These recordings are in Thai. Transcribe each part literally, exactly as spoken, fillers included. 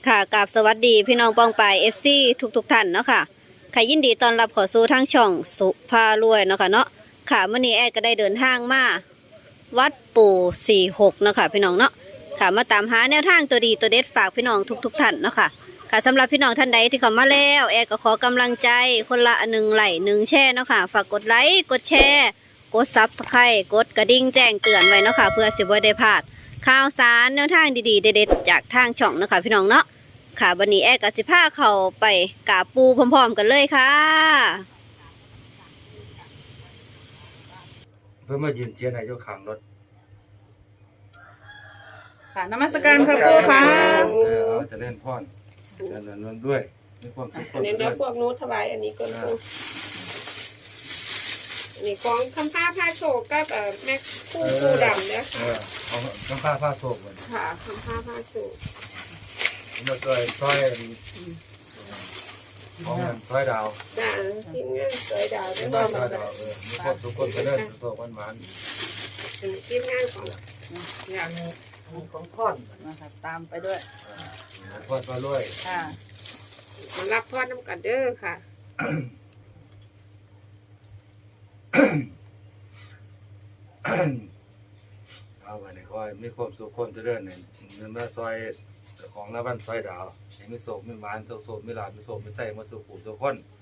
ค่ะกราบสวัสดีพี่น้องปองปาย เอฟ ซี ทุกทุกท่านเนาะค่ะใครยินดีต้อนรับเข้าสู่ทางช่องสุภารวยเนาะค่ะเนาะค่ะมื้อนี้แอดก็ได้เดินทางมาวัดปู่สี่หกเนาะค่ะพี่น้องเนาะค่ะมาตามหาแนวทางตัวดีตัวเด็ดฝากพี่น้องทุกทุกท่านเนาะค่ะค่ะสำหรับพี่น้องท่านใดที่เข้ามาแล้วแอดก็ขอกำลังใจคนละหนึ่งไลค์หนึ่งแชร์เนาะค่ะฝากกดไลค์กดแชร์กดซับสไครต์กดกระดิ่งแจ้งเตือนไว้เนาะค่ะเพื่อสิบ่ได้พลาดข่าวสารแนวทางดีๆเด็ดๆจากทางช่องเนาะค่ะพี่น้องเนาะค่ะวันนี้แอร์กับสิพาเขาไปกราบปูพร้อมๆกันเลยค่ะเพื่อมายืนเทียนให้เจ้าขังรถค่ะนมัสการค่ะปู่ค่ะเออเอาจะเล่นพ่อนจะเล่นนนด้วยมีความสุขอันนี้เดี๋ยวพวกนู้ถวายอันนี้ก่อนปูอันนี้ของคำผ้าผ้าโชกกับเอ่อแม่คู่ปูดำเนี่ยเอค่ะอเอาน้ำผ้าผ้าโศกมันค่ะคำผ้าผ้าโชกมาซอยซอยของเงินซอยดาวจ้าทีมงานสวยดาวเห็แล้นวไหมก็ซอยดาวเออมีความสุขคนไปเล่นโศกมันหวานเป็นทีมงานของงานของพ่อนนะคะตามไปด้วยพ่อนมาด้วยค่ะมารับทอดน้ำกันเด้อค่ะเอาไปในคอยมีความสุขคนไปเล่นเนี่ยเงินมาซอยของละบ้านซอยดาวเห็นมีโศกมีหวานโศกโศกมีหลาบมีโศกมีใส่มาสู่ปู่สู่คน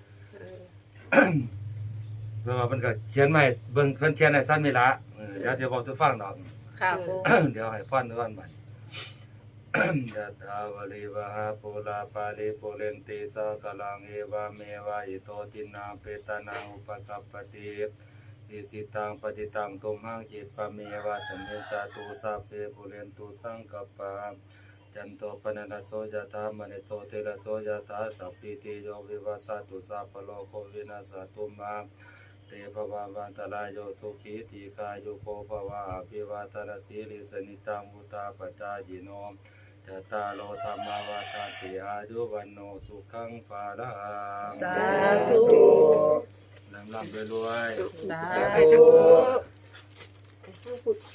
เพราะว่ามันก็เขียนมาให้เบิ่งเพิ่นเขียนให้สั้นไม่ละเออเดี๋ยวเดี๋ยวบอกจะฟังดอกค่ะปู่เดี๋ยวให้ฟังด้วยมัน ยะถาวริวหาปุราปาริปุเรนติสากลังเอวะเมวะอิโตตินังเปตานังอุปกัปปติอิสิตังปฏิตังตุมหังจิตปะเมวะสัมเมสาตุสัพเพปุเรนตุสังกัปปะจันโตปนนะโสยะถามณิโสติระโสยะถาสัพพิติโยวิวัสสตุสัพพโลกวินาศตุมาเตภวาวันตรายโยสุขีติกายุโกภวะอภิวาทนาสีลิสนิตังมุตาปจายิโนจตารโลธรรมวาทาติอายุวันโนสุขังภาระสาธุลำลำรวยสาไปธุทางพุทธทางพุทธ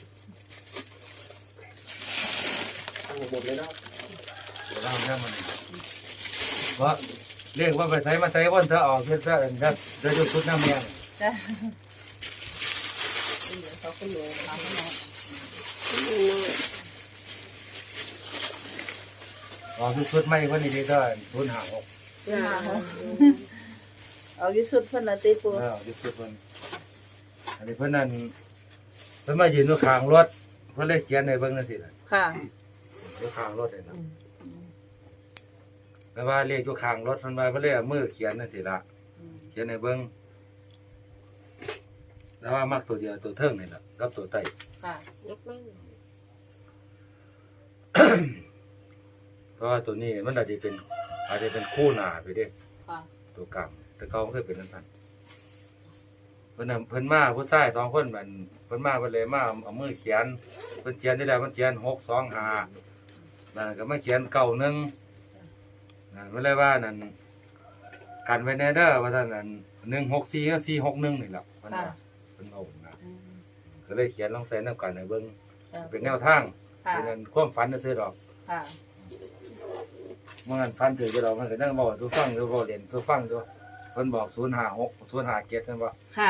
ลำลำมันว่าเรียกว่าไปใช้มาใช้วันเธอออกเพื่อเธอเอ็นครับเดี๋ยวจะชุดน้ำเมียงจ้ะเดี๋ยวเขาก็รู้ทำให้น้องออกชุดไม่วันนี้ก็ทุนหาหกจ้าเอาที่สุดเพิ่นละติปู่เออชุดคนอันนี้เพื่อนนั่นเพื่อนมายืนอยู่ข้างรถเพื่อนเลยเขียนในเบื้องนั่นสิแหละค่ะอยู่ข้างรถเลยนะแต่ว่าเรียกอยู่ข้างรถเพื่อนว่าเพื่อนเลยเอามือเขียนนั่นสิละเขียนในเบื้องแต่ว่ามักตัวเดียวตัวเทิงนี่แหละกับตัวไตค่ะยกมั่งเพราะว่าตัวนี้มันอาจจะเป็นอาจจะเป็นคู่หนาไปเด้ค่ะตัวกลางแต่เขาไม่เคยเป็นสั้นเพิ่นน่ะเพิ่นมาผู้ชายสองคนมันเพิ่นมาเพิ่นเลยมาเอามือเขียนเพิ่นเขียนได้แล้วมันเขียนหกสองห้านั่นก็มาเขียนเก้าหนึ่งนั่นเพิ่นเลยว่านั่นกันไว้แน่เด้อว่าท่านนั่นหนึ่งหกสี่ก็สี่หกหนึ่งนี่แหละเพิ่นว่าเพิ่นเอานะก็เลยเขียนลองใส่น้ำกันให้เบิ่งเป็นแนวทางค่ะเป็นความฝันซื่อๆดอกค่ะเมื่อนั้นฟันถือจะเรามันก็นั่งบอกตัวฟังตัวบอกเรียนตัวฟังตัวเพิ่นบอกศูนย์ห้าหกศูนย์ห้าเจ็ดนั่นว่าค่ะ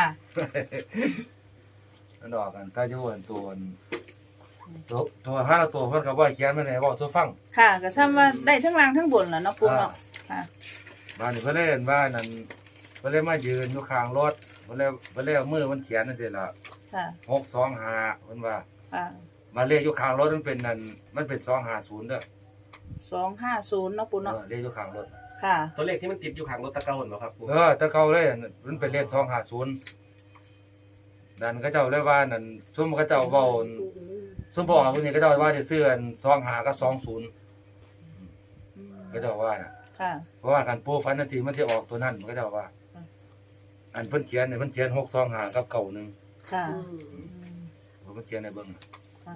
มันออกกันถ้าจะวนตัวตัวตัวห้าตัวเพิ่นก็บ่เขียนมาให้บอกตัวฟังค่ะก็ซ้ำว่าได้ทั้งล่างทั้งบนแหละเนาะปู่เนาะค่ะบ้านนี้เพิ่นเลยเห็นว่านั่นเพิ่นเลยมายืนอยู่ข้างรถเพิ่นเลยเพิ่นเลยเอามือมันเขียนนั่นสิล่ะค่ะหกสองห้าเพิ่นว่าค่ะมาเลขอยู่ข้างรถมันเป็นนั่นมันเป็นสองห้าศูนย์เด้อสองห้าศูนย์เนาะปู่เอเนาะอเลขอยู่ข้างรถค่ะตัวเลขที่มันติดอยู่ข้างรถตะเกาเหรอครับเออแต่เก่าเลยมันเป็นเลขสองห้าศูนย์นั่นก็เจ้าเลยว่านั่นซุ่มเขาเจ้าเว้า ซุ่มบอกว่าคนนี้ก็เจ้าว่าจะซื้ออันสองหากับสองศูนย์ก็เจ้าว่าน่ะค่ะเพราะว่าการปูฟันนาทีมันจะออกตัวนั้นมันก็เจ้าว่า อันเพิ่นเขียนเนี่ยเพิ่นเขียนหกสองหากับเก่าหนึ่งค่ะเพราะเพิ่นเขียนในเบิ้งน่ะค่ะ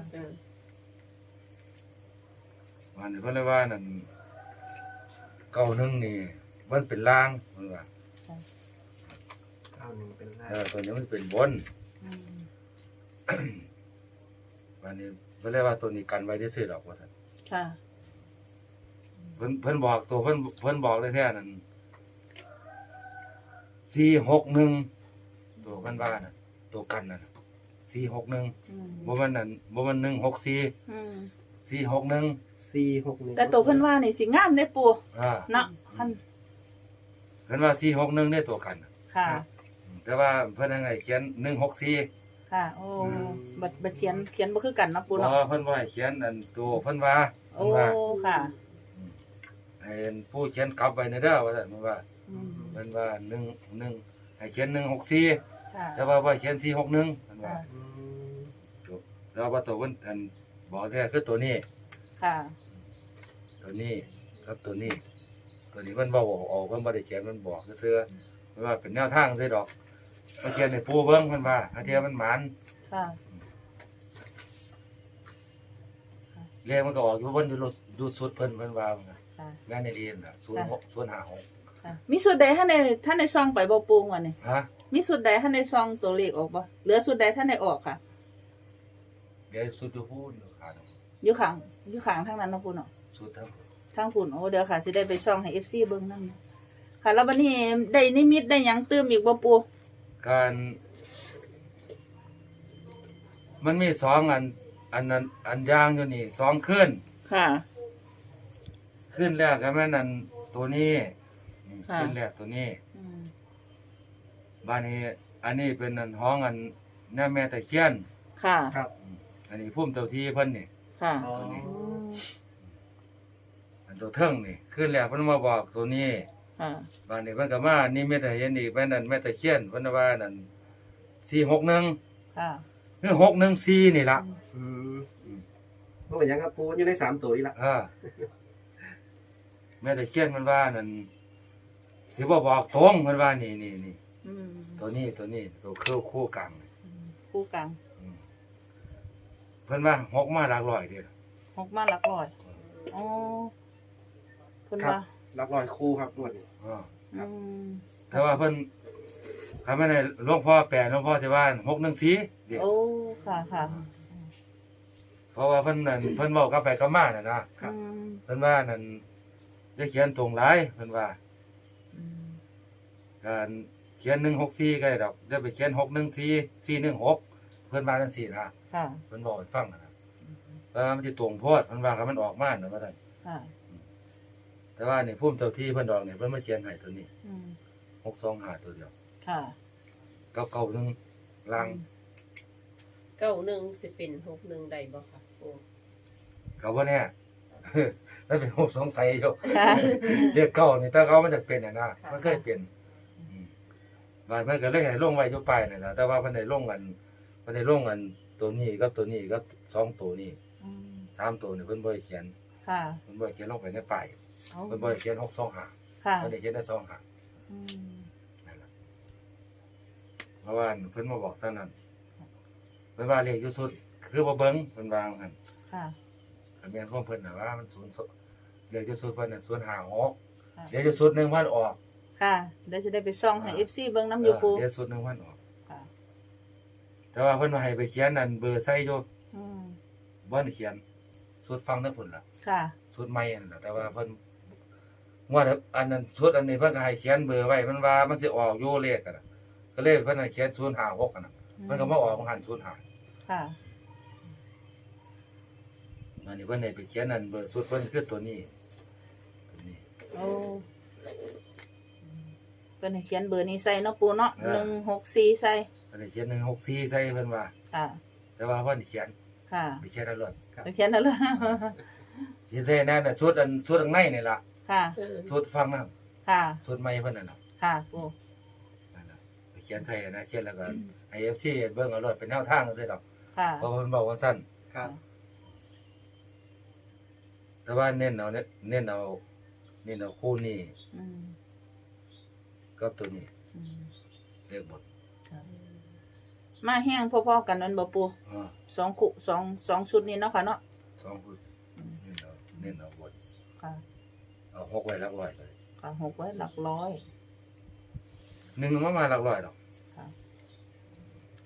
วันนี้เพิ่นเลยว่านั่นเก่าหนึ่งนี่มันเป็นล่างเพิ่นว่าเก้าหนึ่งเป็นหน้าเออตัวนี้มันเป็นบนอืมวันนี้เพิ่นเลยว่าตัวนี้กันไว้ได้ซื้อดอกว่าซั่นค่ะเพิ่นเพิ่นบอกตัวเพิ่นเพิ่นบอกเลยแท้นั่นสี่หกหนึ่งตัวเพิ่นว่าน่ะตัวกันน่ะสี่หกหนึ่งอืมบ่แมันนั่นบ่แมันหนึ่งหกสี่อืมสี่หกหนึ่งสี่หกหนึ่งแต่ตัวเพิ่นว่านี่สิงามเด้ปูอ่าเนาะคันเพิ่นว่าสี่หกหนึ่งได้ตัวกันน่ะค่ะแต่ว่าเพิ่นยังไงเขียนหนึ่งหกสี่ค่ะ โอ้บัดบัดเขียนเขียนบ่คือกันเนาะปูบ่เนาะเพิ่นว่าให้เขียนอันตัวเพิ่นว่าโอ้เพิ่นว่าค่ะให้ผู้เขียนกลับไว้ในเด้อว่าซั่นเพิ่นว่าอืมเพิ่นว่าหนึ่งหนึ่งให้เขียนหนึ่งหกสี่ค่ะแต่ว่าบ่ให้เขียนสี่หกหนึ่งเพิ่นว่าค่ะอืมแล้วว่าตัวเพิ่นอันบอกแท้คือตัวนี้ค่ะตัวนี้ครับตัวนี้ ตัวนี้มันบ่บอกออกเพิ่นบ่ได้เขียนมันบอกซื่อๆเพิ่นว่าเป็นแนวทางซื่อดอกมาเขียนให้ปู่เบิ่งเพิ่นว่าถ้าเทียมันหมานค่ะเรียกมันก็ออกอยู่เพิ่นอยู่ดูสุดเพิ่นเพิ่นว่ามันน่ะค่ะงานในเรียนน่ะศูนย์หกศูนย์ห้าหกค่ะมีสุดใดท่านในท่านในซองไปบ่ปูงวะนี่ฮะมีสุดใดท่านในซองตัวเลขออกบ่เหลือสุดใดท่านในออกค่ะเดี๋ยวสุดอยู่พูนอยู่ขาดอยู่ข้างอยู่ข้างทางนั้นเนาะปูเนาะสุดทั้งทางฝุ่นโอ้เดี๋ยวค่ะสิได้ไปช่องให้ เอฟ ซี เบิ่งนำค่ะแล้วบัดนี้ได้นิมิตได้หยังเติมอีกบ่ปูการมันมีสองอันอันนั้นอันยางอยู่นี่สองขึ้นค่ะขึ้นแรกก็แม่นอันตัวนี้นี่ค่ะขึ้นแรกตัวนี้อืมบ้านนี้ อันนี้เป็นอันห้องอันแม่แม่ตะเคียนค่ะครับอันนี้พุ่มเจ้าที่เพิ่นนี่ค่ะอ๋ออืมอันตัวเทิงนี่ขึ้นแรกเพิ่นมาบอกตัวนี้ค่ะบ้านนี้เพิ่นก็มานี่แม่ตะเห็นอีกแม่นั่นแม่ตะเคียนเพิ่นว่านั่นสี่หกหนึ่งค่ะคือหกหนึ่งสี่นี่ล่ะอืมเพราะว่าหยังครับปูอยู่ในสามตัวนี่ละอ่าแม่ตะเคียนมันว่านั่นสิบ่บอกตรงมันว่านี่นี่นี่อืมตัวนี้ตัวนี้ตัวคู่คู่กลางนี่คู่กลางอืมเพิ่นว่าหกมาหลักร้อยเด้อหกมาหลักร้อยอ๋อเพิ่นครับว่ารับรอยคู่ครับงวดนี้อ่าอืมแต่ว่าเพิ่นคำว่าในหลวงพ่อแปลหลวงพ่อสิว่าหกหนึ่งสี่เด้อโอ้ค่ะค่ะเพราะว่าเพิ่นนั่นเพิ่นเว้ากลับไปกลับมาน่ะนะอืมเพิ่นว่านั่นจะเขียนตรงหลายเพิ่นว่าอืมการเขียนหนึ่งหกสี่ก็ได้ดอกเดี๋ยวไปเขียนหกหนึ่งสี่สี่หนึ่งหกเพิ่นว่าจังซี่นะค่ะเพิ่นบอกให้ฟังนะว่ามันสิตรงโพดเพิ่นว่าคันมันออกมาน่ะว่าซั่นค่ะแต่ว่านี่ภูมิเจ้าที่เพิ่นดอกนี่เพิ่นมาเขียนให้ตัวนี้อืมหกสองห้าตัวเดียวค่ะกับเก่าหนึงลังเก้าหนึ่งสิเป็นหกหนึ่งใดบ่ค่ะปูก็บ่แน่ มันเป็นผมสงสัยอยู่ค่ะเรียกเก่านี่ถ้าเขามันจะเป็นน่ะนะมันเคยเป็นอืมบาดมันก็เลยให้ลงไว้อยู่ปลายนั่นล่ะแต่ว่าเพิ่นได้ลงกันเพิ่นได้ลงกันตัวนี้กับตัวนี้กับสองตัวนี้อืมสามตัวนี่เพิ่นบ่ได้เขียนค่ะเพิ่นบ่ได้เขียนลงไปในป้ายเอาเพิ่นบ่ได้เขียนหกสองห้าค่ะเพิ่นได้เขียนได้สองห้าอืมนั่นล่ะเพราะว่าเพิ่นมาบอกซั่นนั่นเพิ่นว่าเลขอยู่สุดคือบ่เบิ่งเพิ่นว่าหั่นค่ะก็แม่นของเพิ่นน่ะว่ามันศูนย์เลขอยู่สุดเพิ่นน่ะศูนย์ห้าหกค่ะเลขอยู่สุดหนึ่งพันออกค่ะเดี๋ยวจะได้ไปซ่องให้ เอฟ ซี เบิ่งน้ำอยู่ปูเออเลขสุดหนึ่งพันออกค่ะแต่ว่าเพิ่นว่าให้ไปเขียนนั่นเบอร์ใส่อยู่อืมบ่ได้เขียนสุดฟังทั้งพุ่นล่ะค่ะสุดใหม่นั่นล่ะแต่ว่าเพิ่นงวดอันนั้นสุดอันนี้เพิ่นก็ให้เขียนเบอร์ไว้มันว่ามันสิออกอยู่เลขกันน่ะก็เลยเพิ่นให้เขียนศูนย์ห้าหกกันน่ะมันก็มาออกของหันศูนย์ห้าค่ะอันนี้เพิ่นให้ไปเขียนนั่นเบอร์สุดเพิ่นคือตัวนี้ตัวนี้โอ้เป็นให้เขียนเบอร์นี้ใส่เนาะปูเนาะเออหนึ่งหกสี่ใส่เพิ่นให้เขียนหนึ่งหกสี่ใส่เพิ่นว่าค่ะแต่ว่าเพิ่นเขียนค่ะไปเขียนเอาเลยไปเขียนนั่นเลยเขียนใส่นั่นน่ะสุดอันสุดข้างในนี่ล่ะค่ะเออสุดฟังนั่นค่ะสุดใหม่เพิ่นนั่นน่ะค่ะปูนั่นน่ะไปเขียนใส่นะเขียนแล้วก็ให้ เอฟ ซี เบิ่งเอาเลยเป็นแนวทางจังซี่ดอกค่ะเพราะว่าเพิ่นบอกว่าซั่นครับแต่ว่าเน้นเอาเน้นเน้นเอาเน้นเอาคู่นี้อืมกับตัวนี้อืมเลขบทค่ะมาแห้งพอๆกันนั่นบ่ปูอ่าสองคุสองสองชุดนี้เนาะค่ะเนาะสองคู่เน้นเอาเน้นเอาบทค่ะเอาหกไว้หลักร้อยเลยค่ะหกไว้หลักร้อยหนึ่งมามาหลักร้อยดอก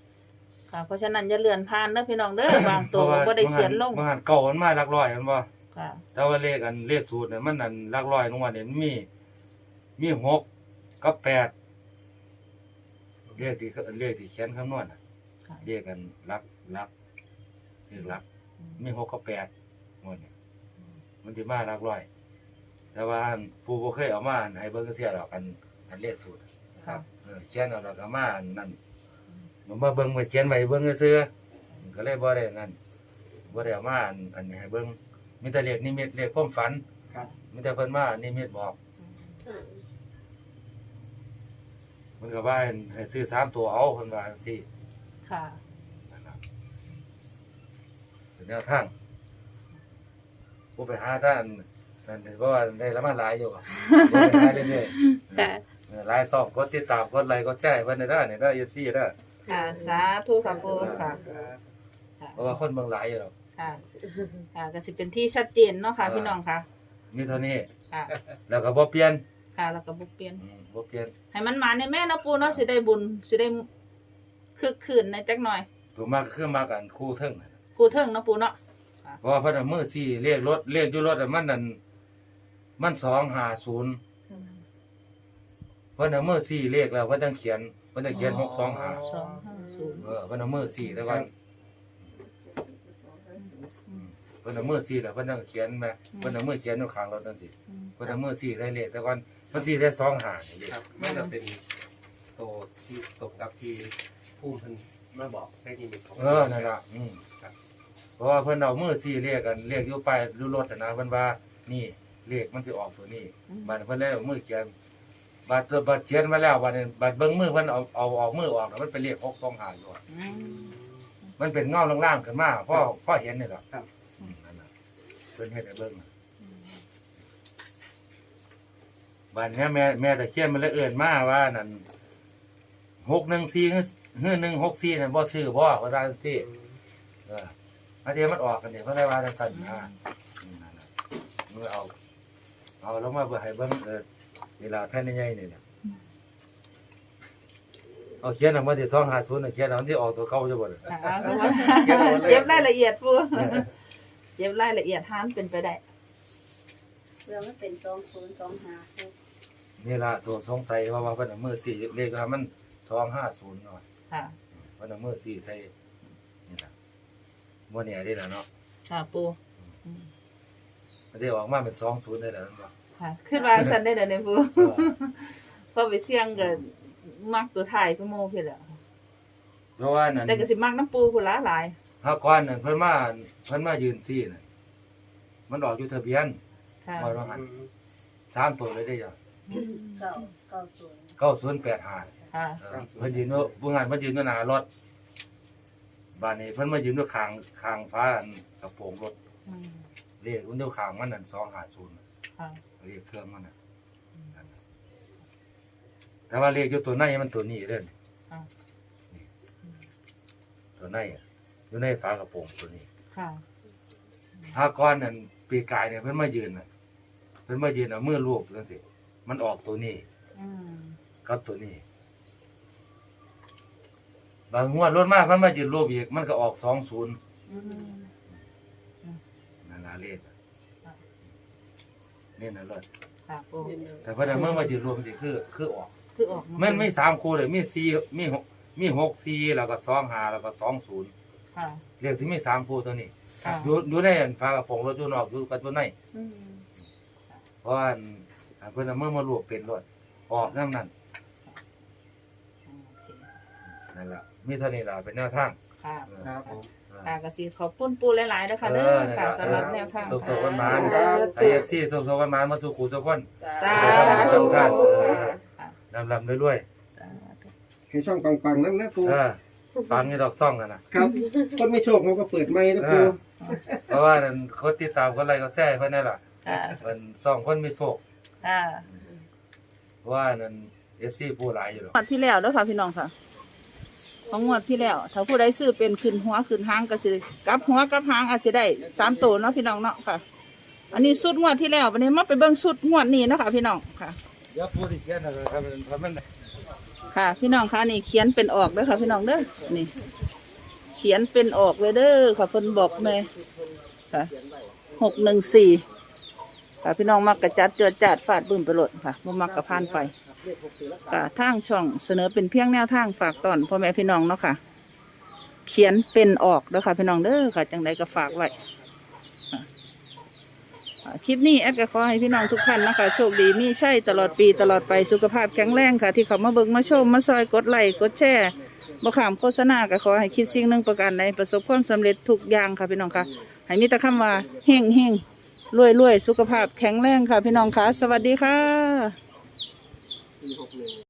ค่ะ เพราะฉะนั้นอย่าเลื่อนผ่านเด้อพี่น้องเด้อบางตัวบ่ได้เขียนลงบางอันเก่ามันมาหลักร้อยมันบ่ค่ะแต่ว่าเลขอันเลขสูตรเนี่ยมันอันหลักร้อยลงมาเนี่ยมันมีมีหกกับแปดเลขที่เลขที่เขียนคำนวณน่ะค่ะเลขกันหลักหลักเลขหลัก มีหกกับแปดหมดเนี่ยมันสิมาหลักร้อย แต่ว่าอันผู้บ่เคยเอามาอันให้เบิ่งเสียดอกอันอันเลขสูตรค่ะเออเขียนเอาแล้วก็มาอันนั่นมันมาเบิ่งมาเขียนไว้เบิ่งซื่อๆมันก็เลยบ่ได้นั่นบ่ได้เอามาอันอันนี้ให้เบิ่งมีแต่เลขนิมิตเลขความฝันครับมีแต่เพิ่นมานิมิตบอกค่ะมันก็ว่าให้ซื้อสามตัวเอาเพิ่นว่าจังซี่ค่ะนั่นล่ะเป็นแนวทางบ่ไปหาท่านนั่นเพราะว่าได้ละมาหลายอยู่บ่ได้หลายเรื่อยๆค่ะเออหลายซองกดติดตามกดไลค์กดแชร์ให้เพิ่นได้เด้อนี่เด้อ เอฟ ซี เด้อค่ะ สาธุค่ะปูค่ะเพราะว่าคนเบิ่งหลายอยู่ดอกค่ะ ค่ะก็สิเป็นที่ชัดเจนเนาะค่ะ พี่น้องค่ะมีเท่านี้ค่ะแล้วก็บ่เปลี่ยนค่ะ แล้วก็บ่เปลี่ยนอืมบ่เปลี่ยนให้มันมาในแม่เนาะปูเนาะสิได้บุญสิได้คึกคืนในจักหน่อยตัวมากก็คือมากันคู่เทิงนั่นกูเทิงเนาะปูเนาะเพราะว่าเพิ่นเอามือสี่เลขรถเลขอยู่รถอะมันนั่นมันสองห้าศูนย์เพิ่นเอามือสี่เลขแล้วเพิ่นต้องเขียนเพิ่นต้องเขียนหกสองห้าสองห้าศูนย์เออเพิ่นเอามือสี่แต่ว่าเพิ่นเอามือสี่แล้วเพิ่นต้องเขียนแม่เพิ่นเอามือเขียนอยู่ข้างรถจังซี่เพิ่นเอามือสี่ใส่เลขแต่ก่อนเพิ่นสี่ใส่สองห้านี่เลขครับมันจะเป็นโตที่ตกกับที่ผู้เพิ่นมาบอกให้นิมิตของเออนั่นล่ะอืมเพราะว่าเพิ่นเอามือสี่เลขกันเลขอยู่ไปรู้รถนะเพิ่นว่านี่เลขมันสิออกตัวนี้บัดเพิ่นเลยเอามือเขียนบัดบัดเขียนมาแล้วบัดนี้บัดเบิ่งมือเพิ่นเอาเอาออกมือออกแล้วมันเป็นเลขหกสองห้าอยู่อะอืมมันเป็นเงาล่างๆขึ้นมาพ่อพ่อเห็นนี่ล่ะอืมนั่นน่ะเพิ่นเฮ็ดให้เบิ่งน่ะบัดเนี้ยแม่แม่ตะเคียนมันเลยเอิ้นมาว่านั่นหกหนึ่งสี่ฮื้อหนึ่งหกสี่นั่นบ่ซื้อบ่ว่าว่าจังซี่เอออันเดียวมันออกกันเนี่ยเพิ่นเลยว่าจังซั่นนะอืมนั่นน่ะมือเอาเอาลงมาเพื่อให้เบิ่งเออเวลาแผ่นใหญ่ๆนี่น่ะเอาเขียนออกมาที่สองห้าศูนย์น่ะเขียนเอาที่ออกตัวเก่าจะบ่ล่ะค่ะเจ็บรายละเอียดปูเจ็บรายละเอียดห้ามเป็นไปได้เรื่องมันเป็นสองศูนย์สองห้านี่ล่ะตัวสงสัยว่าว่าเพิ่นเอามือสี่เลขว่ามันสองห้าศูนย์เนาะค่ะเพิ่นเอามือสี่ใส่นี่ล่ะบ่แน่เด้ล่ะเนาะค่ะปูมันได้ออกมาเป็นสองศูนย์ได้แล้วนั่นบ่ค่ะขึ้นวางสันได้เด้อเนี่ยปูเออพอไปเสี่ยงก็มักตัวไทยไปโมพี่แหละเพราะว่านั่นแต่ก็สิมักน้ำปูพุ่นละหลายเฮาก่อนนั่นเพิ่นมาเพิ่นมายืนซี่น่ะมันออกอยู่ทะเบียนค่ะบ่ว่าหั่นสามตัวเลยได้จ้ะเก้าเก้าศูนย์เก้าศูนย์แปดห้าค่ะเออเพิ่นยืนอยู่ผู้งานเพิ่นยืนอยู่หน้ารถบ้านนี้เพิ่นมายืนอยู่ข้างข้างฟ้าอันกระโปรงรถอืมเลขมันอยู่ข้างมันนั่นสองห้าศูนย์ค่ะเลขเครื่องมันน่ะนั่นน่ะแต่ว่าเลขอยู่ตัวในมันตัวนี้เด้อค่ะตัวในอะอยู่ในฝากระโปรงตัวนี้ค่ะถ้าก้อนนั่นปีกายเนี่ยเพิ่นมายืนน่ะเพิ่นมายืนเอามือลูบจังซี่มันออกตัวนี้อืมกับตัวนี้ บางงวดรถมากมันมายืนรูปอีกมันก็ออกสองศูนย์อืมนั่นล่ะเลขนี่น่ะรถค่ะปูแต่พอได้เมื่อมายืนรวมสิคือคือออกคือออกามันไม่สามคู่เลยมีสี่มีหกมีหกสี่แล้วก็สองห้าแล้วก็สองศูนย์ค่ะเลขที่มีสามคู่ตัวนี้ค่ะอยู่อยู่ในอันฝากระโปรงรถอยู่นอกอยู่กับตัวในอืมเพราะว่าอันอันเพิ่นเอามื่อมารวบเป็นรถออกนำนั้นโอเคนั่นล่ะมีเท่านี้ล่ะเป็นแนวทางค่ะเออครับผมค่ะก็สิขอบคุณปูหลายๆนะคะเด้เอออค่ะสำหรับแนวทางสุขๆกันมาค่ะไอเอฟซีสุขๆกันมามาสู่ขู่ทุกคนสาธุธุค่ะค่ะลำๆรวยสาธุให้ช่องปังๆนั่นนะปูๆเออฟังนี่ดอกซ่องกันนะครับคนไม่โชคเขาก็เปิดไม้นะปูเพราะว่านั่นคนติดตามคนอะไรก็แจ้เพิ่นนั่นล่ะค่ะเพิ่นซ่องคนมีโชคค่ะเพราะว่านั่น เอฟ ซี ผู้หลายอยู่ดอกงวดที่แล้วเด้อค่ะพี่น้องค่ะของงวดที่แล้ว ถ้าผู้ใดซื้อเป็นขึ้นหัวขึ้นหางก็สิกลับหัวกลับหางอาจจะได้สามตัวเนาะพี่น้องเนาะค่ะ อันนี้สุดงวดที่แล้ววันนี้มาไปเบิ่งสุดงวดนี้เนาะค่ะพี่น้องค่ะเดี๋ยวผู้ที่เขียนนะครับเพราะมันค่ะ พี่น้องค่ะนี่เขียนเป็นออกเด้อค่ะพี่น้องเด้อนี่ เขียนเป็นออกเลยเด้อค่ะเพิ่นบอกเลยค่ะหกหนึ่งสี่ค่ะพี่น้องมักกระจัดเจือจัดฟาดบึ้มไปโหลดค่ะบ่มักกระพานไปค่ะทางช่องเสนอเป็นเพียงแนวทางฝากตอนพ่อแม่พี่น้องเนาะค่ะเขียนเป็นออกเด้อค่ะพี่น้องเด้อค่ะจังใดก็ฝากไว้ค่ะอ่าคลิปนี้แอดก็ขอให้พี่น้องทุกท่านนะคะโชคดีมีใช่ตลอดปีตลอดไปสุขภาพแข็งแรงค่ะที่เขามาเบิ่งมาชมมาซอยกดไลค์กดแชร์บ่ขามโฆษณาก็ขอให้คิดสิ่งหนึ่งประการใดประสบความสำเร็จทุกอย่างค่ะพี่น้องค่ะให้มีแต่คำว่าเฮงเฮงรวยรวยสุขภาพแข็งแรงค่ะพี่น้องค่ะสวัสดีค่ะ